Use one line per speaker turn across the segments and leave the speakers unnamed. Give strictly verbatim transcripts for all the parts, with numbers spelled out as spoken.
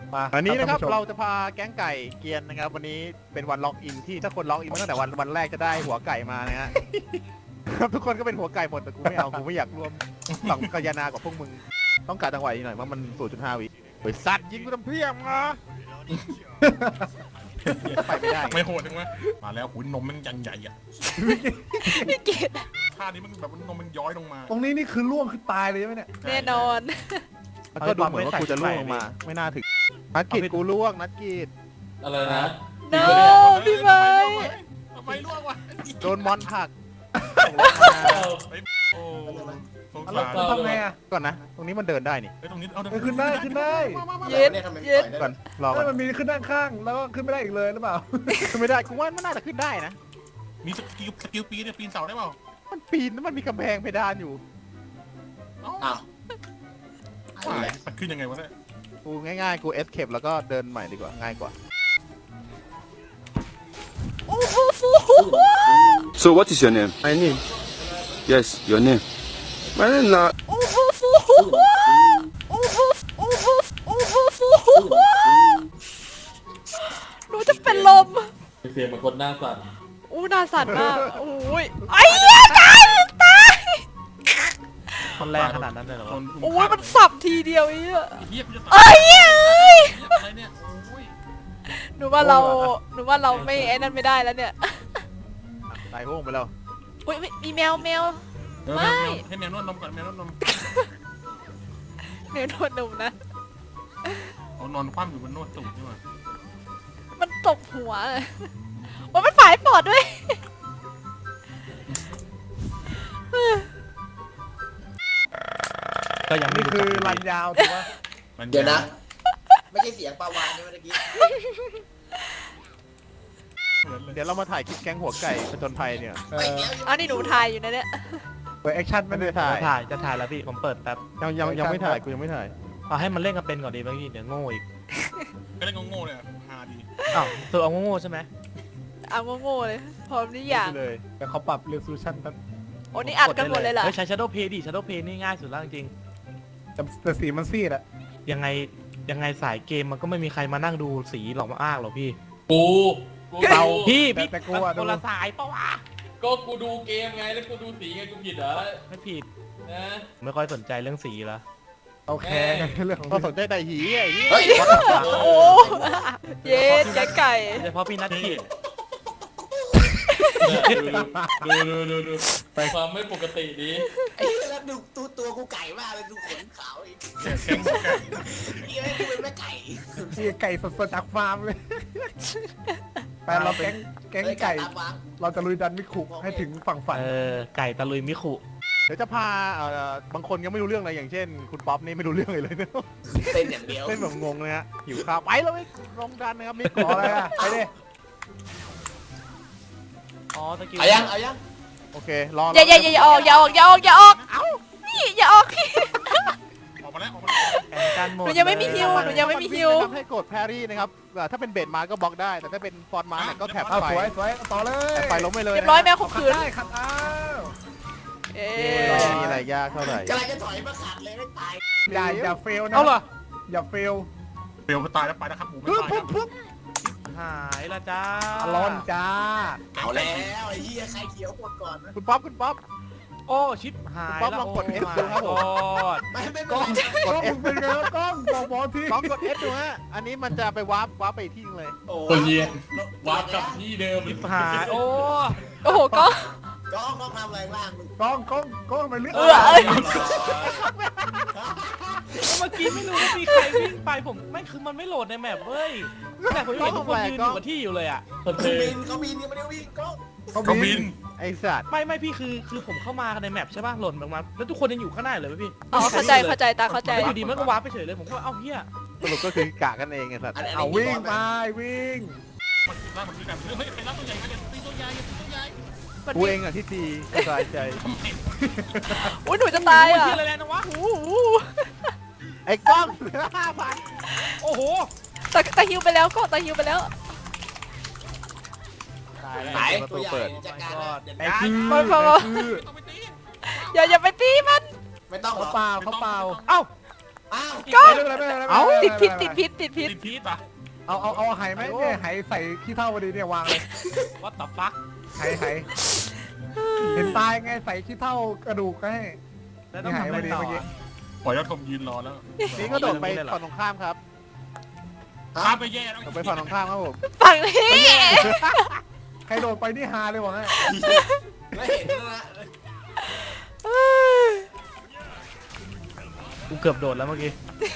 มาอันนี้นะครับเราจะพาแก๊งไก่เกียนนะครับวันนี้เป็นวันล็อกอินที่ถ้าคนล็อกอินมาตั้งแต่วันวันแรกจะได้หัวไก่มานะฮะ ครับทุกคนก็เป็นหัวไก่หมดแต่กูไม่เอากูไม่อยากร่วมสังกัญญากับพวกมึงต้องการจังหวะนี้หน่อยเพราะมัน ศูนย์จุดห้า วิเฮ้ยสัตว์ยิงกูทำเพี้ยมมาไปไม่ได้
ไม่โหดจังวะมาแล้วหุ่นนมมันยังใหญ่อะ
พี่เกด
ท่านี้มันแบบนมมันย้อยลงมา
ตรงนี้นี่คือล่วงคือตายเลยใช่ไหมเนี่ย
แน่นอน
ก็ดูเหมือนว่ากูจะล่วงลงมาไม่น่าถึงนัดกีดกูล่วงนัดกีด
อะไรนะ
โน้พี่ไม้
ทำไมล่วงวะ
โดนมอนผัก
โอ้สง
เรา
สาร
ทำไงอ่ะก่อนนะตรงนี้มันเดินได้นี่
ตรงนี้เอา
ขึ้นได้ขึ้นได้
เย็ดเย็ด
ก่อนรอก่อนมันมีขึ้นด้านข้างแล้วก็ขึ้นไม่ได้อีกเลยหรือเปล่าขึ้นไม่ได้กูว่ามันน่าจะขึ้นได้นะ
มีสกิลสกิลปีนเนี่ยปีนเสาได้เปล่า
มันปีนแล้วมันมีกำแพงเพดานอยู่
อ้าวมันขึ้นยังไงวะเนี่ย
กูง่ายๆกูเอสเคปแล้วก็เดินใหม่ดีกว่าง่ายกว่า
So what is your name? My name. Yes, your name. My name not.
หนูจะเป็นลม
เสียงเหมือนคนหน้าสั่น
อู้หน้าสั่นมากโอ้ยไอ้เหี้ยตายตาย
มันแรงขนาดนั้นเลยเหรอ
โอ้ยมันสับทีเดียวไอ้เหี้ย
เอ้
ย
อะไรเนี่ย
หนูว่าเราหนูว่าเราไม่ไอ้นั่นไม่ได้แล้วเนี่ย
ตายโห้งไปแล้ว
อุ้ยมีแมวแมว
ไม่ให้แมวนวดนมก่อนแมวนวดนม
แมวนวดนมนะ
เอานอนคว่ำอยู่บนนวดตูดนี่หว่า
มันตบหัวเลยว่ามันฝ่ายปอดด้วย
ก็ยังนี่คือรันยาวถูกปะ
เดี๋ยวนะไม่ใช่เสียงปลาวานใช่ไหมเมื่อกี้
เดี๋ยวเรามาถ่ายคลิปแก๊งหัวไก่ผจญภัยเนี่ย
อันนี้หนูถ่ายอยู่นะเนี่ย
เปิดแอคชั่นไม่ได้ถ่ายถ่ายจะถ่ายแล้วพี่ผมเปิดแป๊บยังยังยังไม่ถ่ายกูยังไม่ถ่ายเอาให้มันเล่นกันเป็นก่อนดีบางทีเดี๋ยวโง่อีก
ก็เล่นโง่เลยฮาดี
อ้าวตัวเอาโง่ใช่ไหม
เอาโง่เลยพร้อมนี่อย่าง
เลยแต่เขาปรับเรซูชั่นครับ
โอ้นี่อัดกันหมดเลยเหรอ
ใช้ Shadow Play ดิ Shadow Play นี่ง่ายสุดแล้วจริงแต่สีมันซีดอะยังไงยังไงสายเกมมันก็ไม่มีใครมานั่งดูสีหลอกมาอ้างหรอกพี่
กู
เราพี่พี่แต่กูอะคนละสายปะวะ
ก็กูดูเกมไงแล้วกูดูสีไงกูผิดเหรอ
ไม่ผิด
นะ
ไม่ค่อยสนใจเรื่องสีละโอเคเรื่องก็สนใจแต่หีไอ้นี่
โอ้เย็ดแกไก่
เฉพาะพี่นัทขีด
ดูดูดูดูความไม่ปกติดี
ไอ้แล้วดูตัวตัวกูไก่มากเลยดูขนขาวอีกเฮ้ยดูเป็นแม่ไก่
ไก่สดๆจากฟาร์มเลยแต่เราแก๊งแก๊งไก่เราจะลุยดันมิคุให้ถึงฝั่งฝันเออไก่ตะลุยมิคุเดี๋ยวจะพาบางคนยังไม่รู้เรื่องอะไรอย่างเช่นคุณป๊อปนี่ไม่รู้เรื่องเลยเลยเนี่ย
เต้นอย่างเดียว
เต้นแบบงงเลยฮะหิวข้าวไปเลยลงดันนะครับมิคุอะไรอะไปดิอ๋อตะกี้
เอายังเอายัง
โอเครอ
อย่าอย่าอย่าออกอย่าออกอย่าออกอย่าออกเอ้านี่อย่าออกพี่
ออกมาแล้วออกมาแล้ว
หนูยังไม่มีฮิวหนูยังไม่มีฮิว
ให้กดแพรี่นะครับถ้าเป็นเบดมาก็บล็อกได้แต่ถ้าเป็นฟอนมาเนี่ยก็แถบไป
สวยสวยต่อเลย
ไปล้มไปเลย
เรียบร้อยแมวข่มขืน
ได้ขัดอ้าว
เอ๊
ะมีอะไรยากเท่าไหร่
กำลังจะถอยมาขัดเลยไม่ตาย
อย่าอย่าเฟลนะเอาเหรออย่าเฟล
เฟลก็ตายแล้วไปนะครับผมไม่ตายครับ
หายละจ้าร้อนจ้า
เอาแล้วไอ้เหี้ยใครเขียวกดก่อน
คุณป๊อปคุณป๊อปโอ้ชิปหายแล้วลองกด เอส ดูครับผม
ไม่ไม่
กล้องกด เอส เป็นไงกล้องบอกบอลทีกล้องกด เอส ดูฮะอันนี้มันจะไปวาร์ปวาร์ปไปที่นึงเลย
คนเยียนวาร์ปกับที่เดิม
ชิปหายโอ้
โอ้โหกล้อง
กล้องกล้องทำอะไรบ้าง
กล้องกล้องกล้องมันเลือกเออเมื่อกี้ไม่รู้ว่ามีใครวิ่งไปผมไม่คือมันไม่โหลดในแมปเว้ยแต่ผมเห็นทุกคนยืนอยู่กับที่อยู่เลยอ่ะ
เขาบินเขาบินยังไม่ได้วิ่งกล้อง
เขาบิน
ไอ้สัตว์ไม่ไม่พี่คือคือผมเข้ามาในแมปใช่ป่ะหล่นลงมาแล้วทุกคนยังอยู่ข้างหน้าเลยพี่
อ๋อเข้าใจเข้าใจตาเข้าใจ
อยู่ดีมันก็วาร์ปไปเฉยเลยผมก็เอ้าเฮียสรุปก็คือกะกันเองไงสัตว์เอาวิ่งไปวิ่ง
มันคือว่ามันคือการเฮ้ยไปรับตัวใหญ่มาเดี๋ยวตีตัวใหญ่ตีตัวใหญ่
กูเองอ่ะที่ตีสบายใจ
อุ้ยหนูจะตายอ่ะ
อะไรนะวะไอ้กล้องห้าพันโอ้โห
ตาตาฮิวไปแล้วก็ตาฮิวไปแล้ว
ตายประตูเปิด
ไอ้คือ
อย่าอย่าไปตีมัน
ไม่ต้อง
เขาเปล่าเขาเปล่าเอ้า
อ้าว
ก็
ไม่เป็นไรไม่เป็นไร
เอ้า
ติดพิษติดพิษติดพิษ
ติดพีทปะ
เอาเอาเอาไหไหมเนี่ยไหใส่ขี้เท่าพอดีเนี่ยวางเลย
วัดตับฟัก
ไหไหเห็นตายไงใส่ขี้เท่ากระดูกให้
แล้วต้องทำอะไรต่ออะ
ปล่อยยอดทมยืนรอแล้ว
นี่ก็โดดไปฝั่งตรงข้ามครับ
ข้ามไปแย่แล้ว
โดดไปฝั่งตรงข้ามครับผม
ฝั่งนี้
ใครโดดไปนี่ฮาเลยว่ะฮะ
ไม่เห็นแล้วนะ
กูเกือบโดดแล้วเมื่อกี้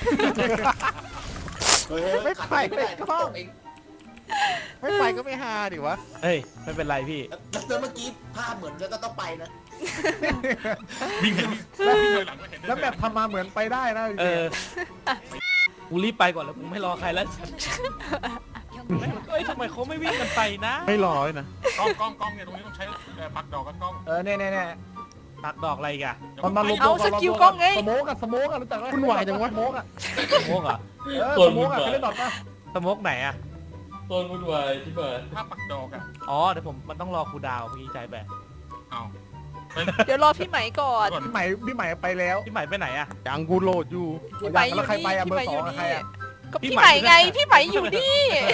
ไม่ไปไม่ก็ไม่ไปก็ไม่ฮาดิวะ
เฮ้ยไม่เป็นไรพี่
แล้วเมื่อกี้ภาพเหมือนจะต้องไปนะ
วิ่งเห็นวิ่งถอยหลังก็เห็น
แล้วแบบทำมาเหมือนไปได้นะ
เออกูรีบไปก่อนแล้วกูไม่รอใครแล้วเฮ้ยทำไมเขาไม่วิ่งกันไปนะ
ไม่ร้อยนะ
กล้องกล้องกล้องเนี่ยตรงนี้ต้องใช้ปักดอกกันกล้อง
เออเนี่ยเนี่ยเนี่ย
ตัดดอกอะไรอีกอะ
ตอนนั้นลง
เอาสกิลกล้องไง
สโมกอะสโมกอะรู้จักไหม
คุณวายจังวะ
สโมกอะ
สโมกเหรอ่ะ
เออสโมกอะเคยเล่นดอทปะ
สโมกไหนอะ
ต้นวุ่นวายที่บ้าน
ถ้าปักดอกอ่ะ
อ๋อเดี๋ยวผมมันต้องรอครูดาวเมื่อกี้ใจแบบ
เอา
เดี๋ยวรอพี่ไหมก่อน
ก่อน
พี่ใหม่พี่ใหม่ไปแล้ว
พี่ใหม่ไปไหนอะ
ยังกูโหลดอยู่
พี่ไหมอยู่
แล้วใคร
นี่
ไปอะ
พี่ไหมอยู่
เบอร์สองอะใคร
นี่
อะ
ก็พี่ไหมไงพี่ไหมอยู่นี่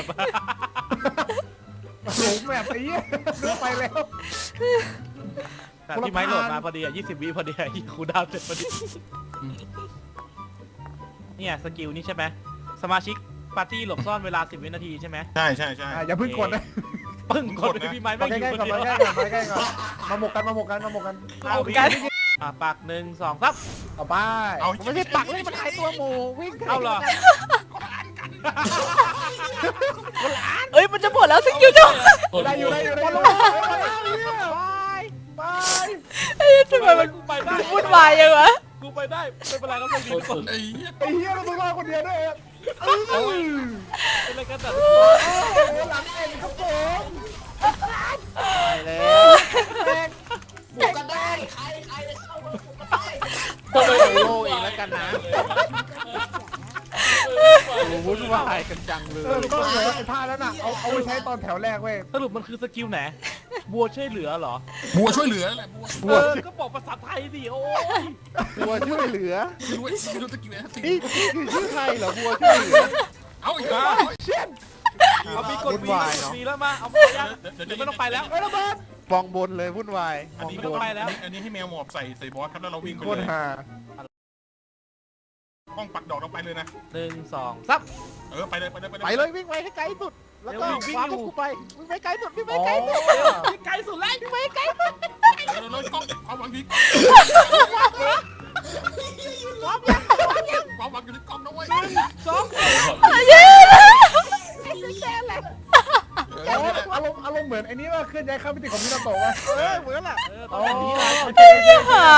หลงแบบไอ้เหี้ยเลือกไปแล้ว
แต่พี่ไม้โหลดมาพอดีอ่ะยี่สิบวิพอดีอ่ะครูดาวเสร็จพอดีเนี่ยสกิลนี่ใช่ไหมสมาชิกปาร์ตี้หลบซ่อนเวลาสิบวินาทีใช่ไหม
ใช่ใช่ใช่
อ่ะอย่าเพิ่งกดนะ
ปึ้งกดเลยพี่ไม้
มา
ไม่
ใก
อยู่
ล้ๆ
ค
ก่อน
นเดียว
มาใกล้ๆก่อนมาใกล้ๆก่อนมาหมกกันมาหมกกันมาหมกกัน
เอากันอ่ะปากหนึ่งสองซับ
เอาไป
เอา
มันไม่ใช่ปักเลยมันหายตัวหมูวิ่ง
เอาเหรอ
เอ้ยมันจะหมดแล้วสกิลจ้ะ
ต้น
ได้อยู่ได้อยู่ได้อยู่
บาย
ไป
เอ้ยทำไมมัน
กูไปได้
วุ่นวายยังวะ
กูไปได้ไม่เป็นไรครับไม่เป็นไร
ต้น
ไอ้เหี้ย
ไอ้เหี้ยเราต้องรอดคนเดียวด้วยเออ
เป็นไรกันแต่
โอ้โหหลังเอ็นครับผม
ไปแล้ว
บุกกันได้ใครใครจะเข้ามาบุกกันได้
ต้นไป
โลเองแล้วกันนะโอ้วุ่นวายกันจังเล
เออย ก็เหลือไอ้ท่าแล้วน่ะเอาเอาไปใช้ตอนแถวแรกเว้ย
สรุปมันคือสกิลไหนบัวช่วยเหลือเหรอ
บัวช่วยเหลือแหละบัว
เออก็บอกภาษาไทยดิโอ้ย
บัวช่วยเหลือ
ไม่รู้ไอ้ซีรู้ตะกี้นะสิ
นี่คือชื่อใครเหรอบัวช่วยเหลือ
เอาอีกแล้ว
เอามีกด
วุ่น
วี
วายเนอะ
มีแล้วมาเอาไปยังเดี๋ยวไม่ต้องไปแล้ว
ไอ้ระเบิด
มองบนเลยวุ่นวายม
อัน
อง
นี้
บ
ก็
น
ไปแล้วอันนี้ให้แมวหมอบใส่ใส่บอสครับแล้วเราวิ่งไป
โคต
เล
ร
ย
ฮา
กล้องปักดอกเราไปเลยนะ
หนึ่งสองซับ
เออไปเลยไปเลยไปเลย
ไปเลยวิ่งไปให้ไกลสุดแล้วก็
เร็ววิ่ง
คว้า
อยู่
พวกกูไปวิ่งไปไกลสุดวิ่งไป
อ๋อ
ไกลสุด
ไกลสุดแล้ว
วิ่งไปไกลสุด
เออเรากล้องความหวังดีความหวังอยู่ในกล้องนะเว้ย
สอง
เย้
อารมณ์อารมณ์อารมณ์เหมือนไอ้นี่ว่าเคลื่อนย้ายข้ามมิติของมินาโตะว่ะ
เออเหมือนแหละ
เออตอนนี้นะ
โอเคโอเค
หา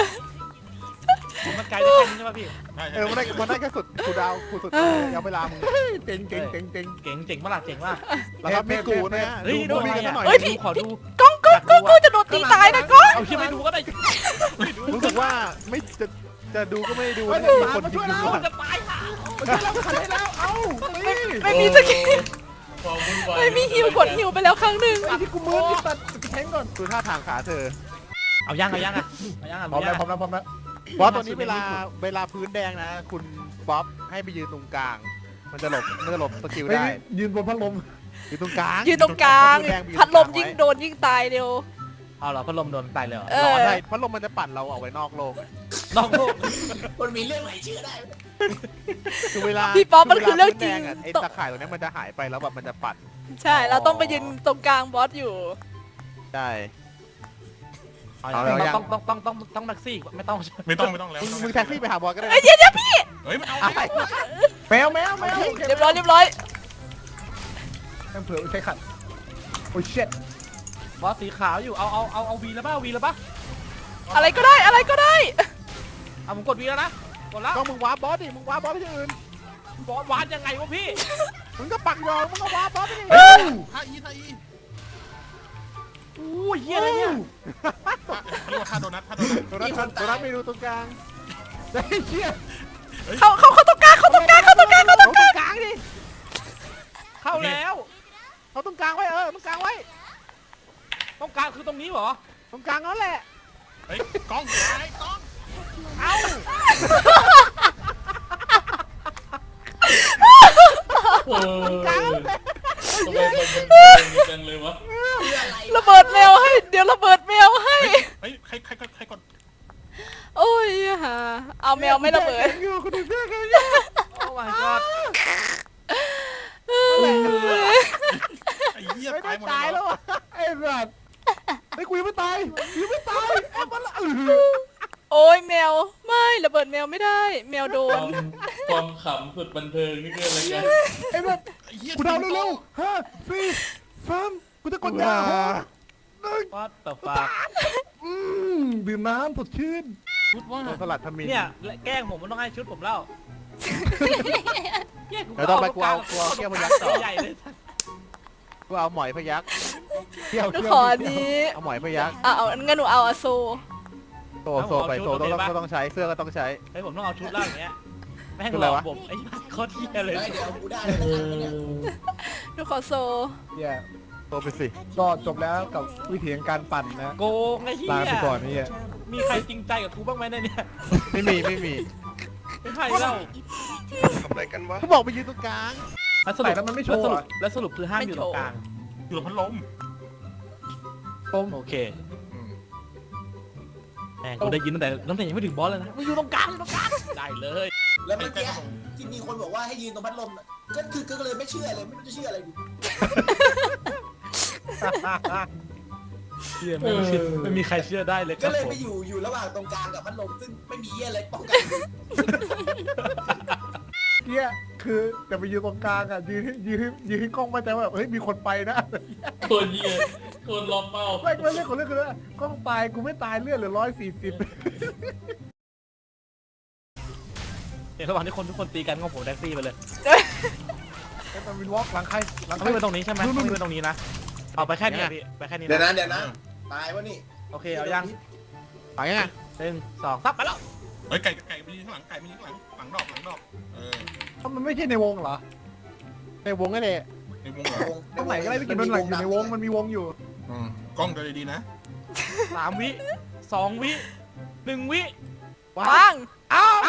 มันไกลได้แค่นี้ใช่ป่ะพี่
ใช่
เออมันได้มันได้แค่สุดกูดาวกูสุดยาวเวลามึง
เจ๋งเจ๋งเจ๋งเจ๋ง
เก่งเจ๋งมากล่ะเจ๋งมาก
แล้วครับไม่กูนะฮะ
เฮ้ย
ดู
ดู
มี
อะไร
กัน
อ่ะ
หน่อย
เฮ้ย
ดูขอดู
กล้องกล้องกล้องกล้องจะโดนตีตายนะกล้อง
เอาที่ไม่ดูก็ได้
รู้สึกว่าไม่จะจะดูก็ไม่ได้ดู
เฮ้ย
นะ
มามาช่วยเรา
คน
จะตายค่ะ
มาช่วยเราขันให้แล้วเอ้านี่
ไม่มีสกิล
ความวุ่นวาย
ไม่มีฮิวกดฮิวไปแล้วครั้งหนึ่ง
ไอ้ที่กูมือที่ตัดแทงก่อน
ดูท่าทางขาเธอ
เอายังเอายังอ่ะเอายังอ่ะ
พร้อมแล้วพร้อมแล้วพร้อมแล้ว
เพราะตอนนี้เวลาเวลาพื้นแดงนะ คุณบ๊อบให้ไปยืนตรงกลาง มันจะหลบมันจะหลบสกิล
เฮ้ย
ได้
ยืนบนพัดลม
อยู่ตรงกลาง
ยืนตรงกลาง
พื้นแดงไป
พัดลม
ตรงก
ยิ่
ลาง ไว้
โดนยิ่งตายเร็ว
เอาเหรอพัดลมโดนตายเลยเหรอ
เอ
ร้
อ
อนได้พัดลมมันจะปั่นเราออกไปนอกโลก
นอกโลก
มันมีเรื่องไหนเชื่อได้
คือเวลา
พี่ป๊อปมันคือเรื่องจริง
วลาพื้นแดะไอ้ตะข่ายตรงนี้มันจะหายไปแล้วแบบมันจะปั่น
ใช่เราต้องไปยืนตรงกลางบอสอยู่
ใช่
เอา
เอาแล้วยัง
ต้องต้องต้องต้องต้องแท็กซี่ไม่ต้อง
ไม่ต้องไม่ต้องแล้ว
มึงมึงแท็กซี่ไปหาบอสก็ได้นะ
เอ้ยเดี๋ยวเดี๋ยวพี่
เฮ้ยมันเอา
อะไร
แมวแมวแมว
เรียบร้อยเรียบร้อย
แม่งเผื่อใช้ขัดโอ้ยเช็ด
บอสสีขาวอยู่เอาเอาเอาเอาวีแล้วป่ะวีแล้วป่ะ
อะไรก็ได้อะไรก็ได้
เอาผมกดวีแล้วนะกดแล้ว
ก็มึงว้าบอสดิมึงว้าบอสไปที่อื่น
บอสวานยังไงวะพี่
มึงก็ปักยองมึงก็ว้าบอสไปดิ
ท่าอีท่าอี
อู้ยเฮียอะไรเนี่ย
เรียกว่าท่าโดนัทท่าโดนัท
ตัวนั้นตัวนั้นไม่ดูตรงกลาง
ไอ้เชี่ย
เขาเขาเขาตรงกลางเขาตรงกลางเขาตรงกลางเขาต
เอา
รง
ต
ก
ร
ลาง
งกลางดิ
เข้าแล้ว
เอาตรงกลางไว้เออตรงกลางไว้
ต้องการคือตรงนี้เหรอ
ตรงกลางนั่นแหละ
เฮ้ยกล้องไอ้กล้อง
เอา
ทำไมมันเป็นจังเลยวะ
ระเบิดแมวให้ เดี๋ยวระเบิดแมวให้
เฮ้ยใครใครใครก่อน
โอ้ยฮะเอาแมวไม่ระเบิด
อยู่กูดูเสื้อกันอยู่
โอ้ my god
ไอ้เหี้ย
ไม่
ตา
ได้
ยหมด
ตาย
เล
แล้ว
ย
อ่ะ
ไอ้สัตว์ไอ้กูยังไม่ตายยังไม่ตายไอ้มันละเออ
โอ้ยแมว ไม่ระเบิดแมวไม่ได้ แมวโด
ควาน มความขำสุดบันเทิงนี่คืออะไรกัน
ไอ้แบบ
ไอ้เหี้ย
กูเดาเร็วๆห้าสี่สามกูจะกดยาหกหนึ่ง
what the fuck
อืมดื่มน้ำสดชื่น
ชุดว่า
โดนสลัดทมิน
เนี่ยแกล้งผมมันต้องให้ชุดผมแล้ว
เดี๋ยวต้องไปกูเอากูเอาเขี้ยวพยักต่อ
ใหญ่เลย
กูเอาหมอยพยัก
เที่ยว
หนู
เที่ยว
ขออันนี้
เอาหมอยพยัก
อ่ะเอางั้นหนูเอาอะโซ
โซโซไปโซต้องต้องต้องใช้เสื้อก็ต้องใช้
เฮ้ยผมต้องเอาชุดล่างอย่างเงี้ยแม่ง
ชุด
ห
อะไร
ลอก
วะ
ผมไอ้โคตรเหี้ยเลย
เฮ้ยเดี๋ยวกูได้แล้วนะครับเนี่ย
หนูขอโซ
เนี่ย
โซไปสิ
ก็จบแล้วกับวิธีของการปั่นนะ
โกงไอ้เหี้ย
ลาไปก่อนนี่อ่ะ
มีใครจริงใจกับกูบ้างไหมเนี่ย
ไม่มีไม่มี
ไม่ใช่แล้ว
กูบอกไปยืนตรงกลาง
แล้วสรุปแล้วมันไม่โชว์แล้วสรุปคือห้ามอยู่ตรงกลาง
อยู่กับพัดลม
ต้ม
โอเคแม่งกูได้ยินตั้งแต่ตั้งแต่ยังไม่ถึงบอสเลยนะมึงอยู่ตรงกลางอยู่ตรงกลางได้เลย
แล้วเมื่อกี้ที่มีคนบอกว่าให้ยืนตรงพัดลมน่ะก็คือก็เลยไม่เชื่อเลยไม่รู้จะเชื่ออะไรดี
เชื่อไม่เชื่อไม่มีใครเชื่อได้เลยค
ก็
รับ
เลย
ผม
ไปอยู่อยู่ระหว่างตรงกลางกับพัดลมซึ่งไม่มีเหี้ยอะไรป้องกัน
เนี่ยคือแต่ไปยืนตรงกลางอ่ะยืนให้ยืนให้ยืนให้กล้องมั่นใจว่าแบบเฮ้ยมีคนไปนะ
คนเยี่ยคนล้อมเป้า
ไม่ไม่เรื่องของเรื่องคือว่ากล้องตายกูไม่ตายเลือดเหลือร้อยสี่สิบ
เดี๋ยวระหว่างที่คนทุกคนตีกันก็ผมแท็กซี่ไปเลย
ไอ้มันวินวอล์กหลังใครหลังใคร
ไม่ไปตรงนี้ใช่ไหมไม่ไปตรงนี้นะเอาไปแค่นี้พี่ไปแค่นี้
เดี๋ยว
นะ
นะเดี๋ยวนะตายวะนี่
โอเคเอายัง
ไปยังไง
หนึ่งสองซับไปแล้ว
เฮ้ยไก่ไก่ไปยืนข้างหลังไก่ไปยืนข้างหลังหลังดอกหลังดอกเออ
ถ้ามันไม่ใช่ในวงเหรอ
ในวงนั่นแหละ
ในวงเหรอ
ตรงไหนก็ได้ที่กินมันหลังอยู่ในวงมันมีวงอยู่
อืมกล้องดูดีๆนะ
สามวิสองวิหนึ่งวิ
ปัง
อ้าว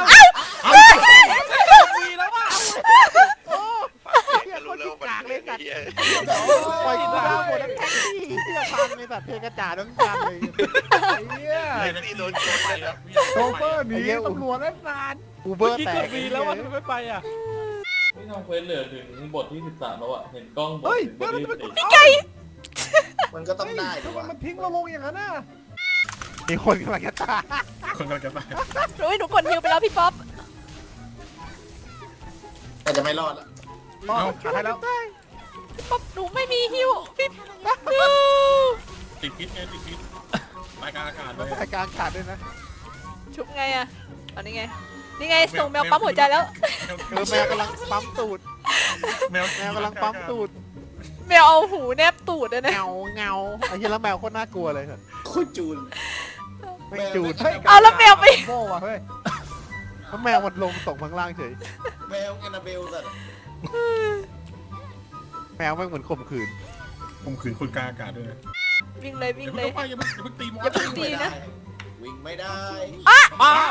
วีแล้วว่ะ
โอ้เฮียคนขี้กากเลยสัตว์ปล่อยกูดาวหมดแล้วแท็กซี่เสื้อพังเลยสัตว์เพลงกระจาดทั้งจำเลย
ไอ้เหี้ย
ไอ้นักที่โดนโจมไปแล้ว
โชเฟอร์หนีตำรวจแล้วนาน
อูเบอ
เมื่อ
ร์
กี้
แต
ก
ก
ดวีแล้วว่ะทำไมไม่ไปอ่ะ
ที่ทำเควสเหลือถึงบทที่สิบสามแล้วอะเห็นกล้องบท
เฮ้ย
ถึงบ
เดี๋ยว
ท
มัน
ที่
จะ
สิ
ไป
บ
กด
สี่
มันก็ต้องได้
ทำไม
วะ
มันทิ้งเราลงอย่างนั้นน่ะ
มีคนกำลังจะตาย
คนกำลังจะตาย
โอ้ยหนูกดฮิวไปแล้วพี่ป๊อป
แต่จะไม่รอดละ
รอดขายแล้ว
พี่ป๊อปหนูไม่มีฮิวพี่ป๊อป
ติดพิษไงติดพิษรายการอากาศเลย
รายการขาดด้วยนะ
ชุบไงอะอันนี้ไง นี่ไงส่งแมวปั๊มหัวใจแล้ว
เออแมวกำลังปั๊มตูด
แมว
แมวกำลังปั๊มตูด
แมวเอาหูแนบตูดเลยนะ
เงาเงาไอ้เหี้ยแล้วแมวโคตรน่ากลัวเลยสัตว์
โคตรจูน
ไม่จูด
เอาแล้วแมวไป
โม่ว่ะเฮ้ย
แล้วแมวมันลงตกข้างล่างเฉย
แมวแอนนาเบลสัตว์
แมวไม่งเหมือนข่มขืน
ผมขืนคนกลางอากาศด้วยนะ
วิ่งเลยวิ่
อง ย่า
เล
เพิ่
ย
งไปอย่าเพิ่งอย่าเพิ่งตีมอ
อย่า
ส
เพิ่งตีนะ
วิ่งไม่ได้
อ้าว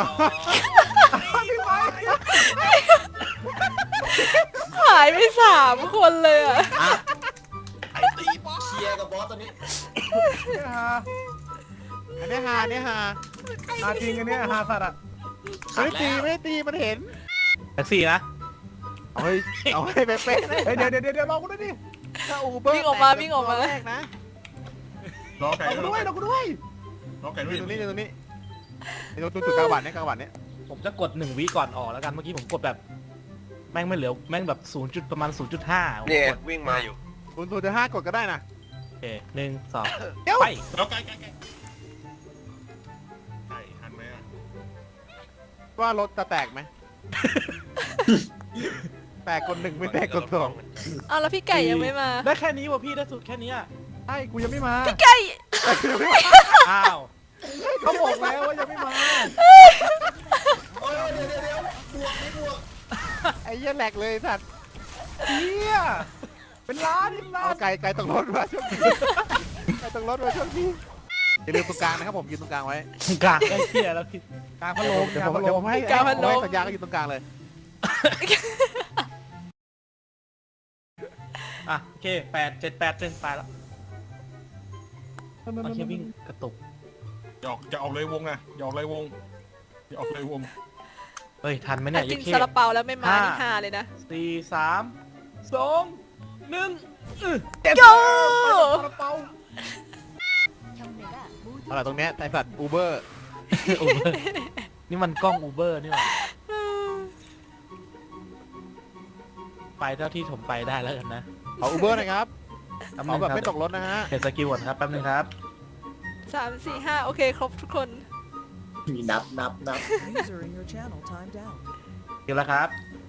หายไปสามคนเลยอะ
ไอ้ตีบอส
เคลียร์กับบอสตัวนี้
เนี่ยฮา
อันเนี้ยฮาอันเนี้ยฮา
ฮาจริงอันเนี้ยฮาสัตว์อ่ะ
ไม่ได้ตีไม่ได้ตีมันเห็น
แท็กซี่นะ
เอาให้เอาให้เป๊ะๆนะ
เฮ้ยเดี๋ยวเดี๋ยวเดี๋ยวลองกูด้วยดิ
ถ้าอูเบอร์
วิ่งออกมาวิ่งออกมา
แรกนะ
รอไก่
ลอง
ด้วย
กูด้วยลองกูด้วย
รอไก่ด้ว
นี่
ย
ตรงนี้นี่ตรงนี้นี่ตรงจุดกลางวันเนี่ยกลางวันเนี่ย
ผมจะกดหนึ่งวิก่อนออกแล้วกันเมื่อกี้ผมกดแบบแม่งไม่เหลือแม่งแบบศูนย์จุดประมาณศูนย์จุดห้า
เนี่ยวิ่งมาอยู่
คุณตัวจะห้ากดก็ได้นะ
โอเคหนึ่งสอง
เดี๋ยว
ไป
รอไก่ไก่ไก่ไก่ทันไหมอ่ะ
ว่ารถจะแตกไหม แตกคนหนึ่งไม่แตกคนสอง
เอาแล้วพี่ไก่ยังไม่มา
ได้แค่นี้วะพี่ได้สุดแค่นี้อะ
ใช่กูยังไม่มา
ไก่
อ้าว
เขาบอกแล้วว่ายังไม่มา
โอ้ยเดี๋ยวเดี๋ยวเดี๋ยวบวกไม่บวก
ไอ้เหี้ยแหลกเลยสัตว์
เฮียเป็นล้านเป็นล้า
เอา
น
ไก่ไก่ตกรถมาช่วงนี้ไก่ตกรถมาช่วงนี้อย่าลืมตรงกลางนะครับผมยืนตรงกลางไว้
กลางไอ้เหี้ยแล้วพี่
กลางพัดลม
เดี๋ยว
กลาง
ผม
พัดล
เดี๋ยว
ม
ผมให้
กลางพัดลม
ผมให้สัญญาก็อยู่ตรงกลางเลย
อ่ะโอเคแปดเจ็ดแปดหนึ่งไปแล้วโอเควิ่งกระตุก
อย่าออกจะออกเลยวงนะอย่าออกเลยวงอย่าออกเลยวง
เฮ้ยทันไหม
ถ้า
เนี่ย
กิน
เย้
ซาลาเปาแล้วไม่มา
ห้า
นี่ฮาเลยนะ
สี่สามสองหนึ่ง
โย
เอาล่ะตรงเนี้ยไอสัตว์อูเบอร์
อูเบอร์นี่มันกล้องอูเบอร์นี่หว่าไปเท่าที่ผมไปได้แล้วกันนะ
ขออูเบอร์หนะครับ
แป๊บ
ข
นึ
อง แบบ
ครับ
ไม่ตกรถนะฮะ
เห็นสกิลก่อนครับแป๊บนึงครับ
สามสี่ห้าโอเคครบทุกคน
มีนับนับนับ
User in your channel timed out.
สกิลแล้วครับ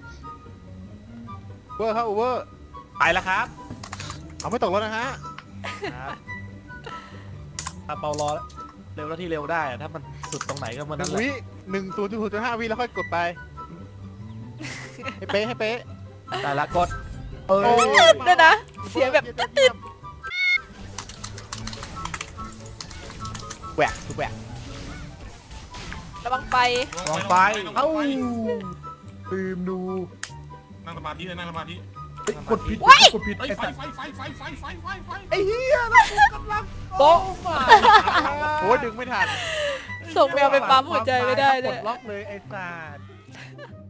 อูเบอร์ครับอูเบอร์
ไปแล้วครับ
เอาไม่ตกรถนะฮะ
ครับถ้าเปารอเร็วแล้วที่เร็วได้อะถ้ามันสุดตรงไหนก็มัน
ห
นั่
นึ่
น
ง
แหละ
วิหนึ่งศูนย์จุดศูนย์จุดห้าวิแล้วค่อยกดไป ให้เป๊ะให้เป๊ะ
แต่ละกด
เอ้
โอ้
ย
ย
ด้วยนะ เสียงแบบติด
แหวกทุกแหวก
ระวังไฟ
วางไฟ
เอ้าลืมดู
นั่งสมาธิเลยนั่งสมาธิ
เฮ้ยกดผิดกดผิด
เฮ้ย
ไอ้
ไฟ
สัตว์
ไฟไฟไฟไฟไฟไฟไฟ
ไอ้เหี้ยแล้วกูกำลัง
โป๊ะ
โอ้ยดึงไม่ทัน
ส่งแมวไปปั๊มหัวใจไม่ได้เล
ก
ย
ดล็อกเลยไอ้สัตว์